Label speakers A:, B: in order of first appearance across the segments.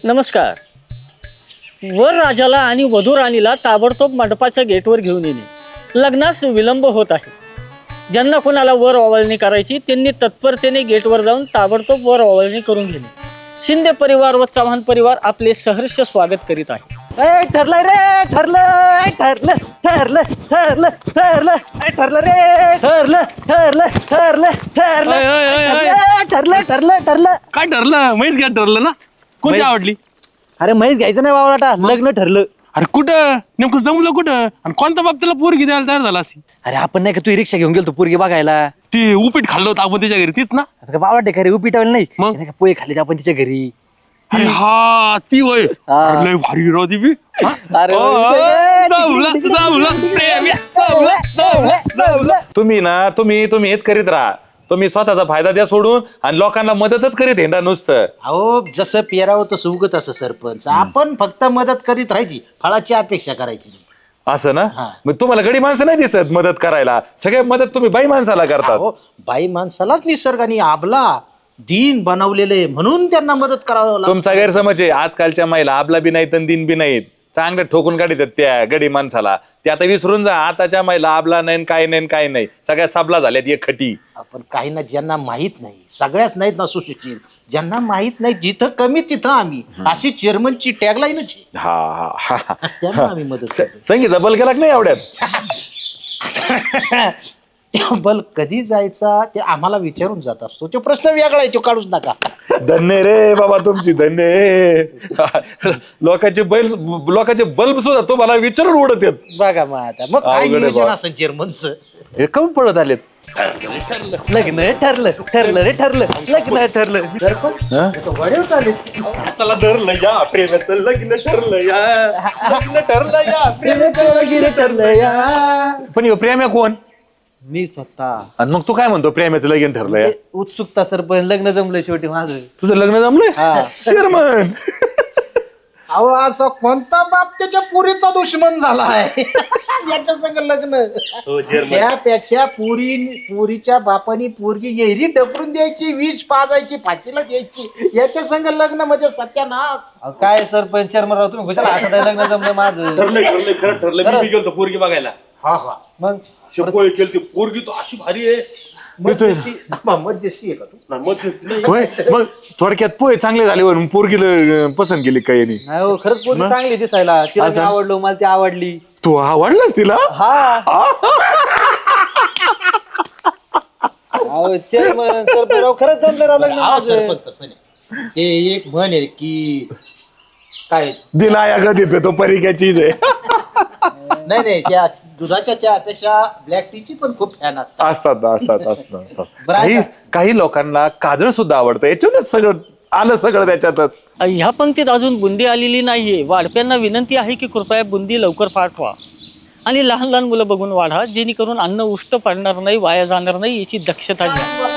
A: नमस्कार. वर राजाला आणि वधू राणीला ताबडतोब मंडपाच्या गेटवर घेऊन येणे. लग्नास विलंब होत आहे. ज्यांना कोणाला वर ओवाळणी करायची त्यांनी तत्परतेने गेटवर जाऊन ताबडतोब वर ओवाळणी करून घेणे. शिंदे परिवार व चव्हाण परिवार आपले सहर्ष स्वागत करीत आहे.
B: ठरलं रे ठरलं ठरलं ठरलं ठरलं ठरलं ठरलं रे ठरलं ठरलं ठरलं ठरलं ठरलं ठरलं ठरलं.
C: काय ठरलं? म्हैस घ्या ठरलं ना. कोणती आवडली?
B: अरे म्हैस घ्यायचं नाही बावळाटा, लग्न ठरलं.
C: अरे कुठं नेमकं जमलं कुठं आणि कोणत्या बाबतीला पोरगी द्यायला तयार झाला अशी?
B: अरे आपण नाही का तू रिक्षा घेऊन गेलो पोरगी बघायला.
C: ती उपीट खाल्लं होतं आपण त्याच्या घरी तीच ना?
B: आता का बावळाटे खरे उपिटावलं नाही
C: मग?
B: नाही का पोहे खाल्ले आपण तिच्या घरी.
C: ती हा ती वय
B: हा.
C: लय भारी राव ती बी.
B: अरे
C: जमलं, जमलं, प्रेम आहे, जमलं, जमलं, जमलं.
D: तुम्ही हेच करीत राहा. तुम्ही स्वतःचा फायदा द्या सोडून आणि लोकांना मदतच करीत हेंडा नुसतं.
E: अहो जसं पेरावं तसं उगत असं सरपंच. आपण फक्त मदत करीत राहायची, फळाची अपेक्षा करायची.
D: असं ना?
E: हा.
D: मग तुम्हाला गडी माणसं नाही दिसत मदत करायला. सगळ्या मदत तुम्ही बाई माणसाला करतात.
E: अहो बाई माणसालाच निसर्गाने आबला दीन बनवलेले म्हणून त्यांना मदत करावं लागतं.
D: तुमचा गैरसमज आहे. आजकालच्या महिला आपला बी नाहीत आणि दिन बी नाहीत. चांगलं ठोकून काढतात त्या गडी माणसाला. ते आता विसरून जा. आताच्या महिला आपला नाही काय नाही सगळ्या साबला झाल्यात एक खटी.
E: आपण काही ना ज्यांना माहित नाही, सगळ्याच नाहीत ना सुशिक्षित, ज्यांना माहित नाही जिथं कमी तिथं आम्ही, अशी चेअरमनची टॅगलाईनच आहे.
D: हा हा हा.
E: त्यांना आम्ही मदत करतो.
D: संगीचा बल केला की नाही एवढ्यात?
E: बल कधी जायचा ते आम्हाला विचारून जात असतो. तो प्रश्न वेगळा आहे, तो काढूच नका.
D: धन्य रे बाबा तुमची धन्य. लोकांचे बल्ब सुद्धा तुम्हाला विचारून उडत येत.
E: बघा मग आता मग काय
D: अवघड आहे
E: नियोजन
D: बा.
E: असेल चेअरमनचं.
D: हे कमी पडत आलेत.
B: लग्न ठरलं ठरलं रे ठरलं लग्न ठरलं.
E: वडील चालेल.
D: त्याला धरलं या प्रेमाचं लग्न ठरलं या. लग्न ठरलं या
B: ठरलं या.
D: पण ह्यो प्रेम आहे कोण?
B: मी स्वतः
D: आणि मग तू काय म्हणतो प्रेमाचं लगीन ठरलं या?
B: उत्सुकता सरपंच, लग्न जमलं शेवटी माझं.
D: तुझं लग्न जमलंय?
B: हा.
D: चेअरमन
E: अहो असा कोणता बाप त्याच्या पुरीचा दुश्मन झाला आहे याच्या संग लग्न. त्यापेक्षा पुरीच्या बापानी पोरगी येरी डबरून द्यायची, वीज पाजायची, फाशीला द्यायची. याच्या संग लग्न म्हणजे सत्यानाश.
B: अहो, काय सरपंच चेअरमन तुम्ही खुशाल असं नाही, लग्न जमलं माझं.
C: ठरलं खरं ठरलं. मी गेलो पोरगी बघायला.
E: हा हा
B: मग
C: शेपोळी केली ती पोरगी तो अशी भारी आहे.
E: मध्यस्थी आहे का तू?
C: ना मध्यस्थी नाही.
D: होय मग थोडक्यात पोहे चांगले झाले म्हणून पोरगीला पसंत केली काही नाही.
B: नाही हो, खरंच पोरगी चांगली दिसायला. तिला मी आवडलो, मला ती आवडली.
D: तू आवडलास तिला?
B: हा अहो चेअरमन सरपंच राव खरंच जमलं राव लग्न
E: हा,
B: माझं.
E: सरपंच तसं नाही. ते एक म्हण आहे की काय
D: दिला या गदी पे तो परी क्या चीज आहे.
E: नाही त्या दुधाच्या चहापेक्षा ब्लॅक टीची पण खूप फॅन असतात.
D: असतात काही लोकांना काजळ सुद्धा आवडतं. याच्यातच सगळं त्याच्यातच.
A: ह्या पंक्तीत अजून बुंदी आलेली नाहीये. वाढप्यांना विनंती आहे की कृपया बुंदी लवकर पाठवा आणि लहान लहान मुलं बघून वाढा, जेणेकरून अन्न उष्ट पडणार नाही, वाया जाणार नाही याची दक्षता घ्या.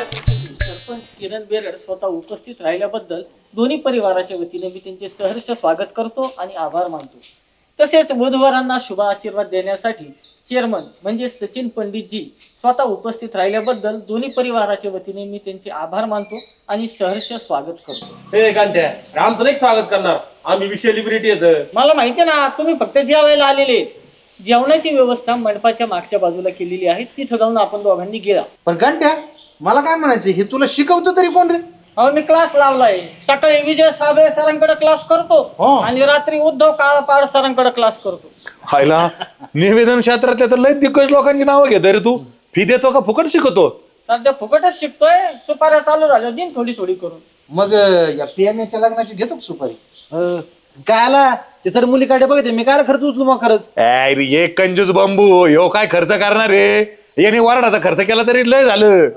A: सरपंच किरण बेरड स्वतः उपस्थित राहिल्याबद्दल दोन्ही परिवाराच्या वतीने मी त्यांचे सहर्ष स्वागत करतो आणि आभार मानतो. तसेच वधूवरांना शुभ आशीर्वाद देण्यासाठी चेअरमन म्हणजे सचिन पंडितजी स्वतः उपस्थित राहिल्याबद्दल दोन्ही परिवाराच्या वतीने मी त्यांचे आभार मानतो आणि सहर्ष स्वागत करतो.
C: हे गांठ्या आमचं नाही स्वागत करणार. आम्ही सेलिब्रिटी येत.
A: मला माहिती आहे ना, तुम्ही फक्त जेवायला आलेले. जेवणाची व्यवस्था मंडपाच्या मागच्या बाजूला केलेली आहे, तिथं जाऊन आपण दोघांनी गेला.
E: पण घंट्या मला काय म्हणायचं, हे तुला शिकवतो तरी कोण रे?
A: हो, मी क्लास लावलाय. सकाळी विजय साबळे सरांकडे क्लास करतो आणि रात्री उद्धव काळपाड सरांकडे क्लास करतो.
D: खायला निवेदन क्षेत्रातल्या तर लय दिग्गज लोकांची नावं घेत रे तू. फी देतो का फुकट शिकवतो?
A: सध्या फुकटच शिकतोय. सुपाऱ्या चालू झाल्या, दिन थोडी थोडी करून.
E: मग या प्रियाच्या लग्नाची घेतो का सुपारी?
B: काय आला ते चढ मुली काढे बघते मी काय खर्च उचलू मग खरंच.
D: एक कंजूस बांबू ह्यो काय खर्च करणार रे? याने वराडाचा खर्च केला तरी लय झालं.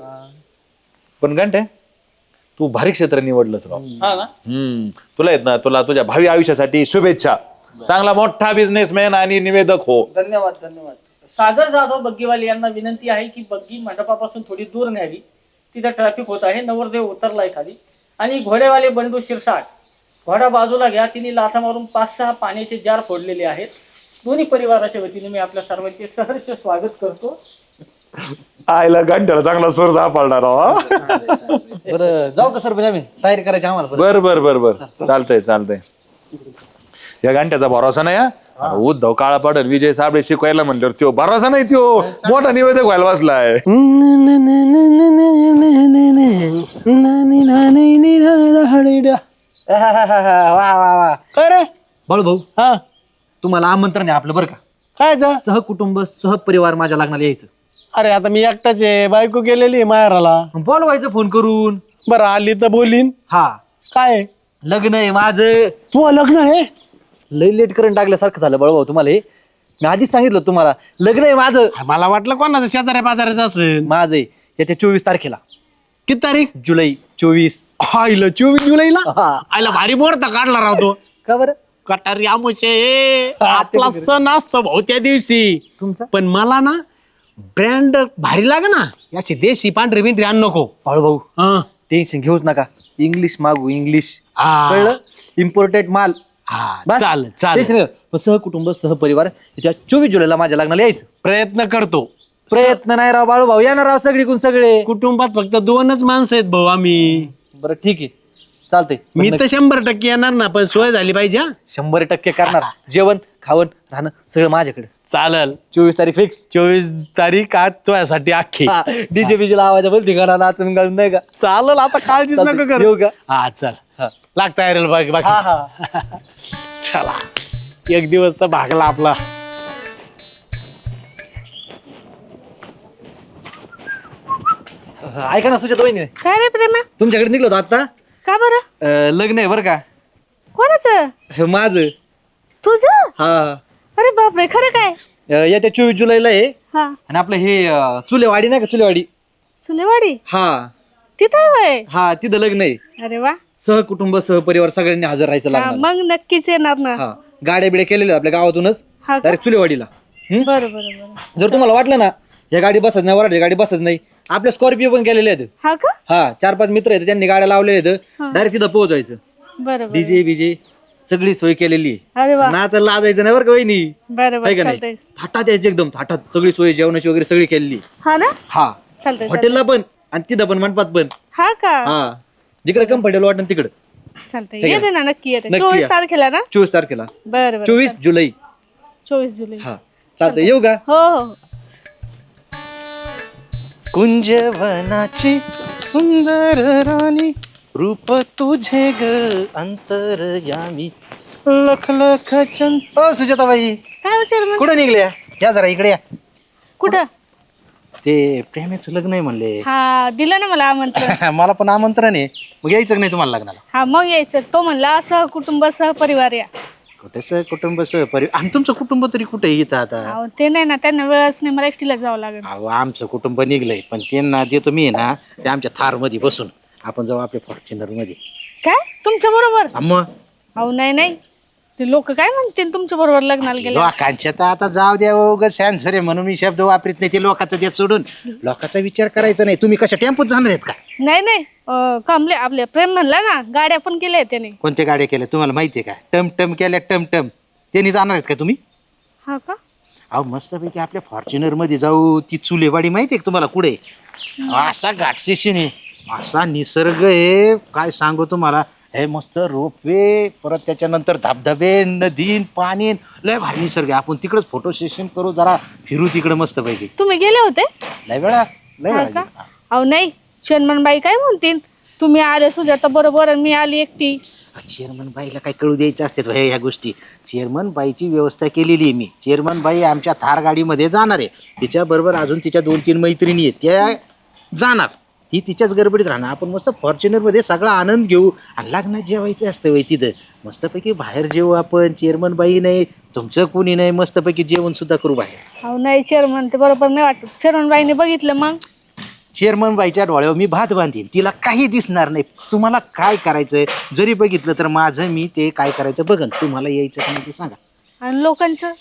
D: पण घंटे तू भारी क्षेत्र निवडलंस राव.
A: हा ना.
D: तुला येत ना, तुला तुझ्या भावी आयुष्यासाठी शुभेच्छा. चांगला मोठा बिझनेसमॅन आणि निवेदक हो.
A: धन्यवाद धन्यवाद. सागर जाधव बग्गीवाले यांना विनंती आहे की बग्गी मंडपापासून थोडी दूर न्यावी. तिथे ट्रॅफिक होत आहे. नवरदेव उतरलाय खाली. आणि घोडेवाले बंडू शिरसाट, घोडा बाजूला घ्या. तिने लाथा मारून 5-6 पाण्याचे जार फोडलेले आहेत. दोन्ही परिवाराच्या वतीने मी आपल्या सर्वांचे सहर्ष स्वागत करतो.
D: आईला घंट्याला चांगला सोर सापडणार हो.
B: बरं जाऊ का सरपंच आम्ही तयारी करायची आम्हाला परत.
D: बर बर बर बर चालतंय या घंट्याचा भरोसा नाही हा उद्धव काळा पाडल विजय साबळे शिकवायला म्हणल्यावर त्यो भरोसा नाही त्यो मोठा निवेदक व्हायला बसलाय.
B: वा वा वा
A: काय रे
B: बाळू भाऊ
A: हा
B: तुम्हाला आमंत्रण आहे आपलं बरं का.
A: काय जा
B: सहकुटुंब सहपरिवार माझ्या लग्नाला यायचं.
A: अरे आता मी एकटाच आहे बायको गेलेली आहे माहेराला.
B: बोलवायचं फोन करून.
A: बरं आली तर बोलीन.
B: हा
A: काय
B: लग्न आहे माझं.
A: तू लग्न आहे
B: लई लेट करून टाकल्यासारखं झालं बाळू भाऊ तुम्हाला हे. मी आधीच सांगितलं तुम्हाला लग्न आहे माझं.
A: मला वाटलं कोणाचं शेजाऱ्या पाजाऱ्याचं असेल.
B: माझं आहे येत्या 24 तारखेला.
A: किती तारीख
B: जुलै 24.
A: आईला 24 जुलैला
B: हा.
A: आईला भारी मुहूर्त काढला राहतो.
B: का बरं
A: कटारी आमुचे
B: हा,
A: आपला
B: ते
A: सण असतो भाऊ त्या दिवशी.
B: तुमचा
A: पण मला ना ब्रँड भारी लागे ना याची देशी पांढरी बिंढरी आण नको.
B: बाळू भाऊ
A: हा.
B: टेन्शन घेऊच नका. इंग्लिश मागू इंग्लिश.
A: हा.
B: कळलं इम्पोर्टेड माल.
A: हा,
B: बस
A: चालेल
B: टेन्शन
A: चालेल
B: नाही. मग सहकुटुंब सहपरिवार येत्या 24 जुलैला माझ्या लग्नाला यायचं.
A: प्रयत्न करतो.
B: प्रयत्न नाही राव बाळू भाऊ येणार राव सगळीकडून सगळे.
A: कुटुंबात फक्त 2च माणसं आहेत भाऊ आम्ही.
B: बरं ठीक आहे चालतंय.
A: मी तर 100% येणार ना पण सोय झाली पाहिजे हा.
B: 100% करणार. जेवण खावण राहणं सगळं माझ्याकडे.
A: चालेल
B: 24 तारीख फिक्स.
A: 24 तारीख आज तुझ्यासाठी अख्खी.
B: डीजे बीजे लावायचा बोल ठिकाणा नाचून घालून नाही का.
A: चालेल आता काळजीच
B: चालतंय.
A: नको
B: येऊ
A: करू.
B: का?
A: हा चल
B: हा.
A: लागता येईल बाकी
B: हा
A: बाकी
B: हा
A: चला एक दिवस तर भागला आपला.
B: ऐका ना सुजाता वहिनी
F: काय रे प्रेमा
B: तुमच्याकडे निघलो होतो आता.
F: का बरं
B: लग्न आहे बरं का.
F: कोणाचं
B: हे माझं.
F: तुझं
B: हा
F: अरे बापरे खरं काय
B: येत्या 24 जुलैला आहे.
F: हा
B: आणि आपलं हे चुलेवाडी नाही का चुलेवाडी.
F: चुलेवाडी
B: हा
F: तिथं वय
B: हा तिथं लग्न आहे.
F: अरे वा
B: सहकुटुंब सहपरिवार सगळ्यांनी हजर राहायचं
F: हा,
B: लग्नाला.
F: मग नक्कीच येणार ना
B: हा गाड्या बिड्या केलेल्या आपल्या गावातूनच
F: हा का?
B: डायरेक्ट चुलेवाडीला.
F: बरं बरं बरं
B: जर तुम्हाला वाटलं ना या गाडी बसत नाही वराठी गाडी बसत नाही आपल्या स्कॉर्पिओ पण केलेले आहेत.
F: हा का
B: हा 4-5 मित्र आहेत त्यांनी गाड्या लावलेल्या आहेत. डायरेक्ट तिथं पोहोचायचं.
F: बरं बरं
B: डीजे बीजे सगळी सोय केलेली आहे.
F: अरे वा
B: नाचायला लाजायचं नाही बरं का वहिनी.
F: बरं
B: आहे का
F: बरं
B: नाही
F: चालतंय
B: थाटात यायची एकदम थाटात सगळी सोय जेवणाची वगैरे सगळी केलेली आहे.
F: हा ना
B: हा
F: चालतंय
B: हॉटेलला पण आणि तिथं पण मंडपात पण.
F: हा का
B: हा जिकडे कम्फर्टेबल वाटतं तिकडं.
F: चालतंय
B: आहे का?
F: येते ना नक्की येते
B: नक्की
F: 24
B: या.
F: तारखेला ना
B: 24 तारखेला
F: बरं बरं
B: 24 जुलै.
F: 24 जुलै
B: हा चालतंय येऊ का.
F: हो हो
E: कुंजवनाची सुंदर राणी रूप तुझे ग अंतरयामी लख लख चंद. ओ सुजाताबाई
F: काय विचार मग
E: कुठं निघल्या या जरा इकडे या.
F: कुठं
E: ते प्रेमाचं लग्न आहे म्हणले.
F: हा दिलं ना मला आमंत्रण
E: मला पण आमंत्रण आहे मग यायचं का नाही तुम्हाला लग्नाला.
F: हा मग यायचं तो म्हणला सहकुटुंब सहपरिवार या.
E: कुठे कुटुंब सहपरिवार आणि तुमचं कुटुंब तरी कुठे येतं आता.
F: अहो, ते नाही ना त्यांना वेळच नाही मला एकटीला जावं लागेल.
E: अहो आमचं कुटुंब निघलंय पण त्यांना देतो मी ना ते आमच्या थार मध्ये बसून आपण जाऊ आपल्या फॉर्च्युनर मध्ये.
F: काय तुमच्या बरोबर
E: मग
F: अहो नाही नाही ते लोक काय म्हणतील तुमच्या बरोबर लग्नाला गेले.
E: लोकांच्या तर आता जाऊ द्या उगाच सॅन्सर आहे म्हणून मी शब्द वापरत नाही. ते लोकांचं देत सोडून लोकांचा विचार करायचा नाही. तुम्ही कशा टेम्पोत जाणार आहेत का.
F: नाही नाही कमले आपले प्रेम म्हणला ना गाड्या पण केल्या त्याने.
E: कोणत्या गाड्या केल्या तुम्हाला माहितीये का. टमटम केल्या टमटम. त्यांनी जाणार आहेत का तुम्ही.
F: हा का
E: अहो मस्तपैकी आपल्या फॉर्च्युनर मध्ये जाऊ. ती चुलेवाडी माहितीये का तुम्हाला कुठे. असा घाटसेशन आहे असा निसर्ग आहे काय सांगू तुम्हाला. हे मस्त रोपवे परत त्याच्यानंतर धबधबे नदी पाणी लय भारी निसर्ग आहे. आपण तिकडच फोटो सेशन करू जरा फिरू तिकडे मस्तपैकी.
F: तुम्ही गेले होते
E: लय वेळा लय
F: हा
E: वेळा
F: का
E: गेलो.
F: अहो नाही चेअरमन बाई काय म्हणतील तुम्ही आले सुजाता बरोबर आणि मी आली एकटी.
E: चेअरमन बाईला काय कळू द्यायचं असते ह्या गोष्टी. चेअरमन बाईची व्यवस्था केलेली आहे मी. चेअरमन बाई आमच्या थार गाडीमध्ये जाणार आहे. तिच्याबरोबर अजून तिच्या 2-3 मैत्रिणी आहेत त्या जाणार. ती तिच्याच गडबडीत राहणार. आपण मस्त फॉर्च्युनरमध्ये सगळा आनंद घेऊ आणि लग्नात जेवायचं असतं वय तिथं मस्तपैकी बाहेर जेवू आपण. चेअरमन बाई नाही तुमचं कोणी नाही मस्तपैकी जेवण सुद्धा करू बाहेर.
F: अहो नाही चेअरमन ते बरोबर नाही वाटत. चेअरमन बाईने बघितलं मग
E: चेअरमन बाईच्या डोळ्यावर मी भात बांधीन. तिला काही दिसणार नाही. तुम्हाला काय करायचंय जरी बघितलं तर माझं मी ते काय करायचं बघन. तुम्हाला यायचं का नाही ते सांगा.
F: आणि लोकांचं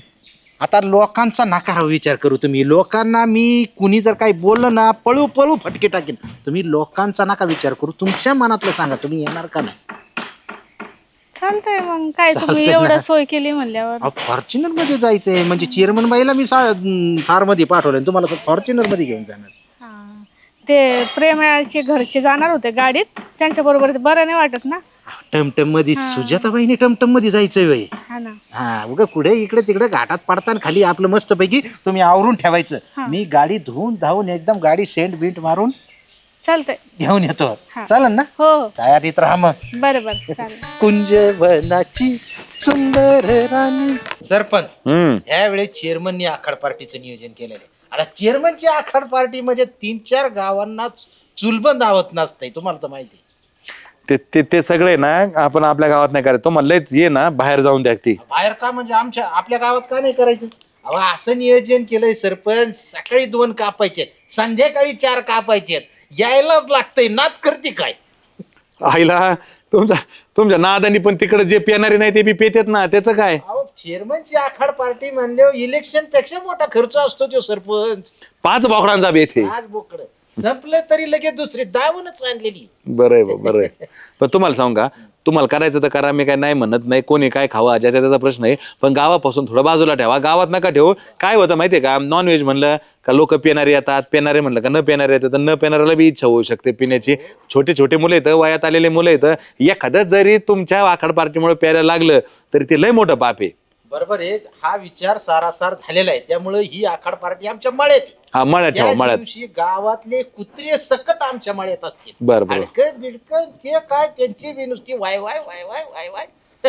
E: आता लोकांचा नकार विचार करू तुम्ही. लोकांना मी कुणी जर काही बोललं ना पळू पळू फटके टाकेन. तुम्ही लोकांचा नका विचार करू. तुमच्या मनातलं सांगा तुम्ही येणार का नाही.
F: चालतंय मग काय तुम्ही एवढं सोय केली म्हणल्यावर.
E: फॉर्च्युनर मध्ये जायचंय म्हणजे चेअरमन बाईला मी कार मध्ये पाठवलं तुम्हाला फॉर्च्युनर मध्ये घेऊन जाणार.
F: हा. ते प्रेमाचे घरचे जाणार होते गाडीत त्यांच्या बरोबर बरं नाही वाटत ना.
E: टमटम मध्ये सुजाताबाईने टमटम मध्ये जायचंय बाई.
F: हा ना.
E: हा उगा कुठे इकडे तिकडे घाटात पडताना खाली आपलं मस्त पैकी तुम्ही आवरून ठेवायचं. मी गाडी धुवून धावून एकदम गाडी सेंट बिंट मारून
F: चालतंय
E: घेऊन येतो. चालेल ना.
F: हो हो
E: तयारीत राहा मग.
F: बरं चालेल.
E: कुंजवनाची सुंदर राणी. सरपंच यावेळेस चेअरमननी आखाड पार्टीचं नियोजन केलेलं आहे. आता चेअरमनची आखाड पार्टी म्हणजे 3-4 गावांना चुलबंद आवत नसतंय तुम्हाला तर माहिती.
D: ते सगळे ना आपण आपल्या गावात नाही करायचं. तो म्हणलंच ये ना बाहेर जाऊन द्या ती.
E: बाहेर का म्हणजे आपल्या गावात का नाही करायचं. अहो असं नियोजन केलंय सरपंच. सकाळी 2 कापायचे संध्याकाळी 4 कापायचे. यायलाच लागतंय. नाद करते काय
D: आईला तुमच्या नादानी पण तिकडे जे पिणारे नाही ते बी पेतेत ना. त्याचं काय.
E: अहो चेअरमनची आखाड पार्टी म्हणल्यावर इलेक्शन पेक्षा मोठा खर्च असतो तो सरपंच.
D: 5 बोकडांचा बेत आहे.
E: आज बोकड संपलं तरी लगेच दुसरी दावूनच आणलेली.
D: बरं आहे बरं आहे. पण तुम्हाला सांगू का तुम्हाला करायचं तर करा. मी काय नाही म्हणत नाही. कोणी काय खावा ज्याचा त्याचा प्रश्न आहे. पण गावापासून थोडं बाजूला ठेवा. गावात नका ठेवू. काय होतं माहितीये का नॉनव्हेज म्हणलं का लोक पिणारे येतात. पिणारे म्हणलं का न पिणारे येतात. तर न पिणाऱ्याला बी इच्छा होऊ शकते पिण्याची. छोटे छोटे मुलं येतं वयात आलेले मुलं येतं. एखादं जरी तुमच्या आखाड पार्टीमुळे प्यायला लागलं तरी ते लय मोठं पाप आहे.
E: बरोबर आहे. हा विचार सारासार झालेला आहे. त्यामुळे ही आखाड पार्टी आमच्या मळ्यात.
D: हा मळ्यात ठेवा मळ्यात.
E: दिवशी गावातले कुत्रे सकट आमच्या मळ्यात असतील.
D: बरं बरं.
E: अडकं बिडकं ते काय त्यांची बी नुसती वाय वाय वाय वाय वाय वाय.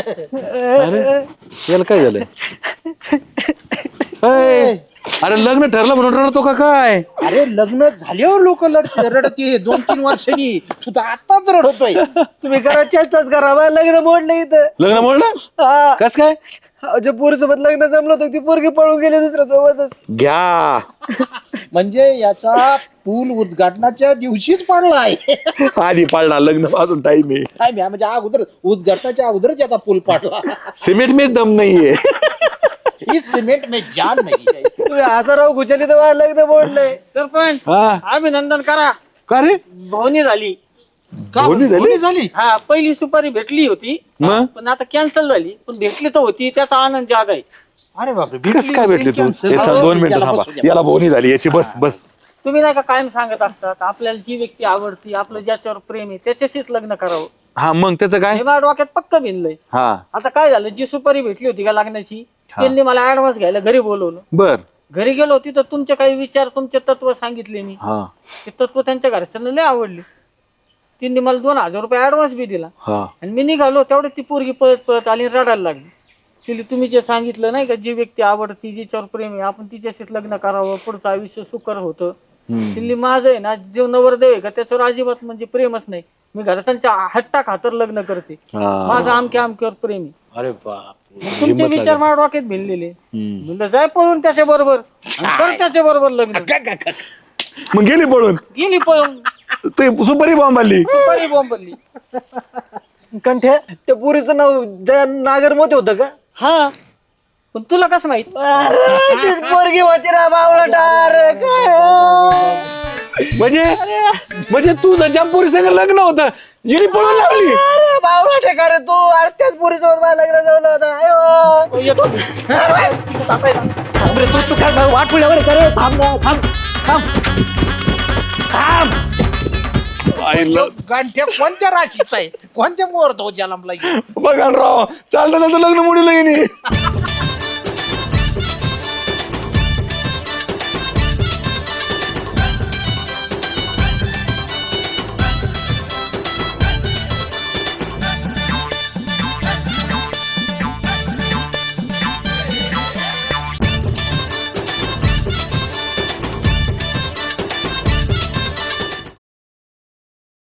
D: याला काय झालंय. अरे लग्न ठरलं म्हणून रडतो का काय.
E: अरे लग्न झाल्यावर लोक रडते 2-3 वर्षांनी. सुद्धा आताच रडतोय.
B: तुम्ही करा चेष्टाच करा. बा, लग्न मोडलं इथं.
D: लग्न मोडलं कस काय.
B: जे पोरीसोबत लग्न जमलं होतं ती पोरगी पळून गेली दुसऱ्या सोबतच.
D: घ्या
E: म्हणजे याचा पूल उद्घाटनाच्या दिवशीच पडला आहे.
D: आधी पाडला लग्न अजून टाइम आहे.
E: काय म्हणजे अगोदर उद्घाटनाच्या अगोदरच याचा पूल पाडला.
D: सिमेंट में दम नाहीये.
E: ही सिमेंट में जान नाही.
B: तुम्ही हसाराव घुचली तर लग्न मोडलंय.
A: सरपंच
D: हा
A: अभिनंदन करा.
D: का रे
A: भवनी झाली.
D: दोन्ही झाली.
A: हा पहिली सुपारी भेटली होती
D: मग
A: पण आता कॅन्सल झाली. पण भेटली तर होती त्याचा आनंद जादा आहे.
E: अरे बापरे
D: कस काय भेटली तू. 2 मिनिटं थांबा. याला बोनी झाली याची. बस बस.
A: तुम्ही नाही का कायम सांगत असतात आपल्याला जी व्यक्ती आवडती आपलं ज्याच्यावर प्रेम आहे त्याच्याशीच लग्न करावं.
D: हा मग त्याचं काय.
A: हे माझ्या डोक्यात पक्क भिनलंय.
D: हा
A: आता काय झालं जी सुपारी भेटली होती का लग्नाची त्यांनी मला ऍडव्हान्स घ्यायला घरी बोलवलं.
D: बर.
A: घरी गेलो तिथं तुमचे काही विचार तुमचे तत्व सांगितले मी.
D: हा
A: ते तत्व त्यांच्या घरच्यांना लय आवडले. त्यांनी मला 2000 रुपये ऍडव्हान्स बी दिला.
D: हा
A: आणि मी निघालो तेवढे ती पोरगी पळत पळत आली आणि रडायला लागली. तिला तुम्ही जे सांगितलं नाही का जी व्यक्ती आवडती जिच्यावर प्रेम आहे आपण तिच्याशीच लग्न करावं पुढचं आयुष्य सुकर होतं. तिल्ली माझं आहे ना जो नवरदेव आहे का त्याच्यावर अजिबात म्हणजे प्रेमच नाही. मी घरच्यांच्या हट्टा खातर लग्न करते. माझं आमक्या आमक्यावर प्रेम आहे.
E: अरे बाप.
A: तुमचे विचार माझ्या डोक्यात भिनलेले. म्हणलं जाय पळून त्याच्या बरोबर त्याच्या बरोबर लग्न.
D: मग गेली पळून.
A: गेली पळून.
D: ते सुपारी बॉम्ब आली.
A: सुपारी बॉम्बली.
B: कंठ्या त्या पुरीचं नाव जया नागरमोते होतं का.
A: हा पण तुला कसं माहित.
B: तीच पोरगी होती ना बावळटार
D: म्हणजे तू ज्या पोरी संग लग्न होतं गेली पळून लागली.
B: अरे बावळा ठेका रे तू. अरे त्याच पोरीसोबत मला लग्न जमलं होतं. वाट पुढ्यावर करे. थांब थांब थांब थांब.
E: गांठ्या कोणत्या राशीचा आहे कोणत्या मुहूर्त हो जन्मला.
D: बघा राव चालतं लग्न मोडीला गेली.